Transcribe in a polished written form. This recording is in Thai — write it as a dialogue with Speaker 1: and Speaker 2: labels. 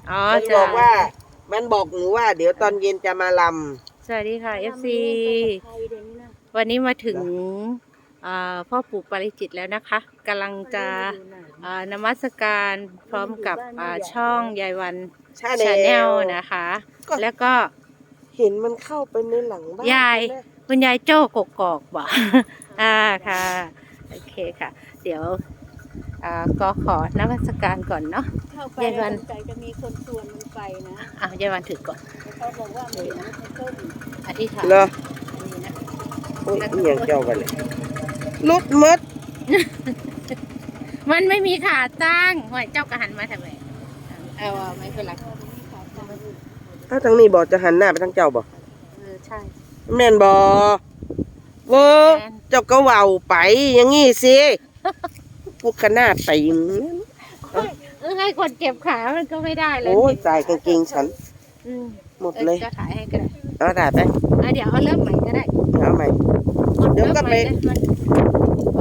Speaker 1: อ๋อ
Speaker 2: มันบ
Speaker 1: จ้ะ
Speaker 2: อกว่ามันบอกหนูว่า เดี๋ยวตอนเย็นจะมาล
Speaker 1: สวัสดีค่ะ FC วันนี้มาถึงพ่อปู่ปาริจิตแล้วนะคะกำลังจะนมัสการพร้อมกับช่องยายวัน
Speaker 2: ำชา
Speaker 1: ชาแน
Speaker 2: แน
Speaker 1: ล
Speaker 2: ล
Speaker 1: นะคะ
Speaker 2: ก็
Speaker 1: แล้วก็
Speaker 2: เห็นมันเข้าไปในหลังบ้าน
Speaker 1: ยาย
Speaker 2: ใช่ไหม
Speaker 1: คุณยายโจ้กกอกบ่ค่ะโอเคค่ะ เดี๋ยวก็ขอนมัสการก่อนเนาะ
Speaker 3: เข้าไป
Speaker 1: ยายวัน
Speaker 3: สงสัยจะมีคนชวนมันไปนะ
Speaker 1: ยายวันถือก่อน
Speaker 3: แต่เขาบอกว่ามันเห็นรถในต้น
Speaker 1: อธิษฐาน
Speaker 2: เหรอ
Speaker 1: นี่นะ
Speaker 2: โอ้ยนี่ยังเจ้าไปเลยรถมด
Speaker 1: มันไม่มีขาตั้งห่วยเจ้ากระหันมาทำไมไม่เป็นไร
Speaker 2: ถ้าทางนี้บอกจะหันหน้าไปทางเจ้าบอก
Speaker 1: ใช่
Speaker 2: แม่นบอเวอ
Speaker 1: แม่น
Speaker 2: เจ้าก็เว้าไปอย่างงี้สิพวกขนาดไปอย่างนี้
Speaker 1: ให้คนเก็บขามันก็ไม่ได้เลย
Speaker 2: โอ้ยตายกางเกงฉัน
Speaker 1: อืม
Speaker 2: หมดเลย
Speaker 1: จะถ่ายให้ก็ได้
Speaker 2: เอาได้ไป
Speaker 1: เดี๋ยวเอาเริ่มใหม่ก็ได้
Speaker 2: เอาใหม่ เดี๋ยวก็ไป
Speaker 1: ริ่มใหม่เลยมัน